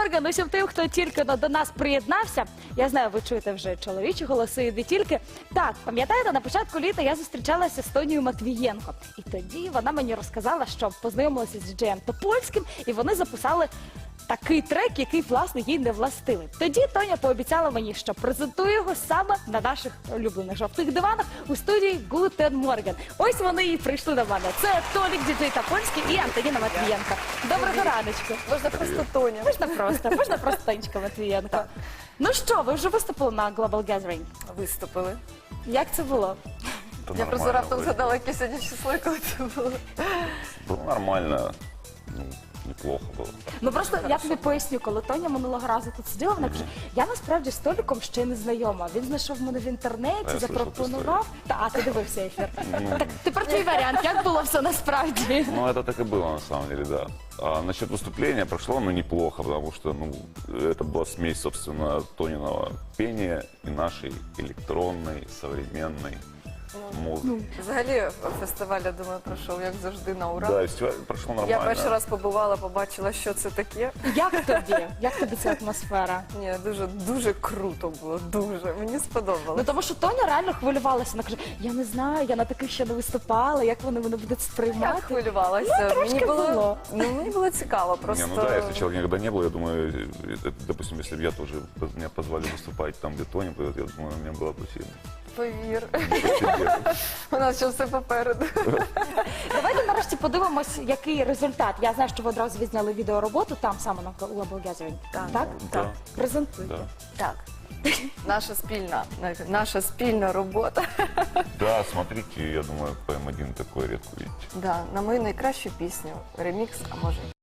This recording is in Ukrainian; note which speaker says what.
Speaker 1: Морган. Усім тим, хто тільки до нас приєднався. Я знаю, ви чуєте вже чоловічі голоси, і не тільки. Так, пам'ятаєте, на початку літа я зустрічалася з Тонією Матвієнко. І тоді вона мені розказала, що познайомилася з діджеєм Топольським, і вони записали такий трек, який, власне, їй не властивий. Тоді Тоня пообіцяла мені, що презентує його саме на наших улюблених жовтих диванах у студії Гутен Морген. Ось вони і прийшли до мене. Це Толік, діджей Топольський і Антоніна Матвієнко. Доброго раночку.
Speaker 2: Можна просто Тоня.
Speaker 1: Можна просто Тонечка Матвієнко. Ну що, ви вже виступили на Global Gathering?
Speaker 2: Виступили.
Speaker 1: Як це було?
Speaker 3: Да
Speaker 2: Я просто
Speaker 3: нормально
Speaker 2: раптом
Speaker 3: вроде.
Speaker 2: згадала, яке сьогодні число, коли це було.
Speaker 3: Было нормально, ну, неплохо было.
Speaker 1: Ну просто я тобі поясню, коли Тоня минулого разу тут сиділа, вона каже, я насправді з Толіком ще не знайома. Він знайшов мене в інтернеті,
Speaker 3: Я
Speaker 1: запропонував. А ти дивився ефір. Так тепер твій варіант, як було все насправді?
Speaker 3: Ну, это так и было, на самом деле, да. А насчет выступления прошло, ну, неплохо, потому что, ну, это была смесь, собственно, Тониного пения и нашей электронной, современной музыки.
Speaker 2: Взагалі фестиваль, я думаю, пройшов, як завжди, на ура.
Speaker 3: Да, и фестиваль прошел нормально.
Speaker 2: Я перший раз побувала, побачила, що це таке.
Speaker 1: Як тобі? Як тобі ця атмосфера?
Speaker 2: Ні, дуже круто було, дуже. Мені
Speaker 1: Ну
Speaker 2: сподобалось.
Speaker 1: тому що Тоня реально хвилювалася. Вона каже, я не знаю, я на таких ще не виступала, як вони мене будуть
Speaker 2: Я
Speaker 1: сприймати.
Speaker 2: хвилювалася.
Speaker 1: трошки було.
Speaker 2: Мені було цікаво, просто...
Speaker 3: Не, ну да, если человека никогда не было, я думаю, допустим, если бы я тоже, меня позвали выступать там, где Тони, я думаю, у меня было бы сильно.
Speaker 2: Повір,
Speaker 3: Интересно.
Speaker 2: у нас ще все попереду.
Speaker 1: Давайте нарешті подивимось, який результат. Я знаю, що ви одразу відзняли відеороботу там саме на Global Gathering. Так?
Speaker 3: Да,
Speaker 1: Презентуйте.
Speaker 3: да.
Speaker 2: Так. Наша спільна робота.
Speaker 3: Да, смотрите, я думаю, ПМ1 такой редко видите.
Speaker 2: Да, на мою найкращу пісню. Ремікс, а може